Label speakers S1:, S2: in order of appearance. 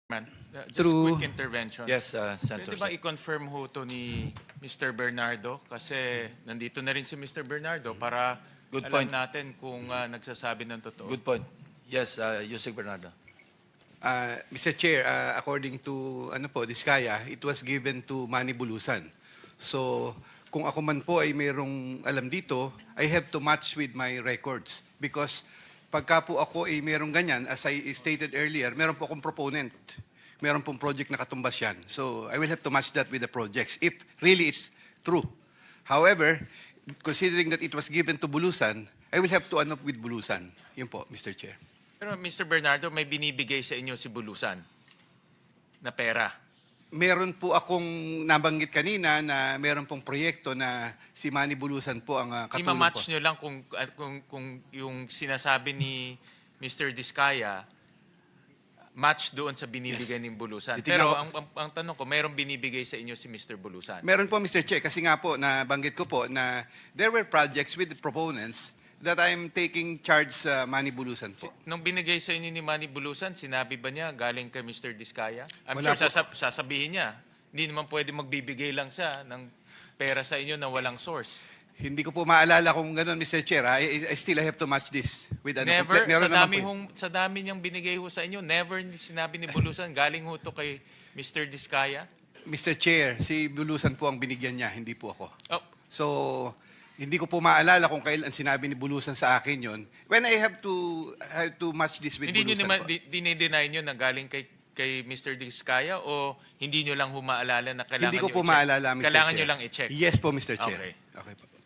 S1: Man, just
S2: Through-
S1: quick intervention.
S3: Yes, Senator.
S1: Pwede ba i-confirm ho to ni Mr. Bernardo? Kasi nandito na rin si Mr. Bernardo para
S3: Good
S1: alam
S3: point.
S1: natin kung nagsasabi ng totoo.
S3: Good point. Yes, Yusek Bernardo.
S4: Mr. Chair, according to Diskaya, it was given to Manny Bulusan. So, kung ako man po ay mayroong alam dito, I have to match with my records. Because pagka po ako ay mayroong ganyan, as I stated earlier, meron po akong proponent. Meron pong project na katumbas yan. So, I will have to match that with the projects if really it's true. However, considering that it was given to Bulusan, I will have to ano with Bulusan. Yun po, Mr. Chair.
S1: Pero Mr. Bernardo, may binibigay sa inyo si Bulusan na pera.
S4: Meron po akong nabanggit kanina na meron pong proyekto na si Manny Bulusan po ang katulong po.
S1: I-match nyo lang kung yung sinasabi ni Mr. Diskaya match doon sa binibigay ni Bulusan.
S4: Titignan
S1: Pero
S4: ko-
S1: ang tanong ko, mayroong binibigay sa inyo si Mr. Bulusan?
S4: Meron po, Mr. Chair, kasi nga po, nabanggit ko po na there were projects with the proponents that I'm taking charge sa Manny Bulusan po.
S1: Nung binigay sa inyo ni Manny Bulusan, sinabi ba niya galing kay Mr. Diskaya? I'm
S4: Wala
S1: sure
S4: po.
S1: sasabihin niya. Hindi naman pwede magbibigay lang siya ng pera sa inyo na walang source.
S4: Hindi ko po maalala kung gano'n, Mr. Chair. I still have to match this with ano.
S1: Never,
S4: Meron
S1: sa
S4: naman
S1: dami,
S4: po.
S1: sa dami niyang binigay ho sa inyo, never sinabi ni Bulusan, galing ho to kay Mr. Diskaya?
S4: Mr. Chair, si Bulusan po ang binigyan niya, hindi po ako.
S1: Oh,
S4: So, hindi ko po maalala kung kailan sinabi ni Bulusan sa akin yon. When I have to match this with
S1: hindi niyo
S4: Bulusan
S1: naman,
S4: po.
S1: dinideny niyo na galing kay Mr. Diskaya o hindi niyo lang humaalala na kailangan
S4: Hindi ko
S1: niyo
S4: po
S1: i-check?
S4: maalala, Mr.
S1: Kailangan
S4: Chair.
S1: niyo lang i-check?
S4: Yes po, Mr. Chair.
S1: Okay.
S4: Okay po.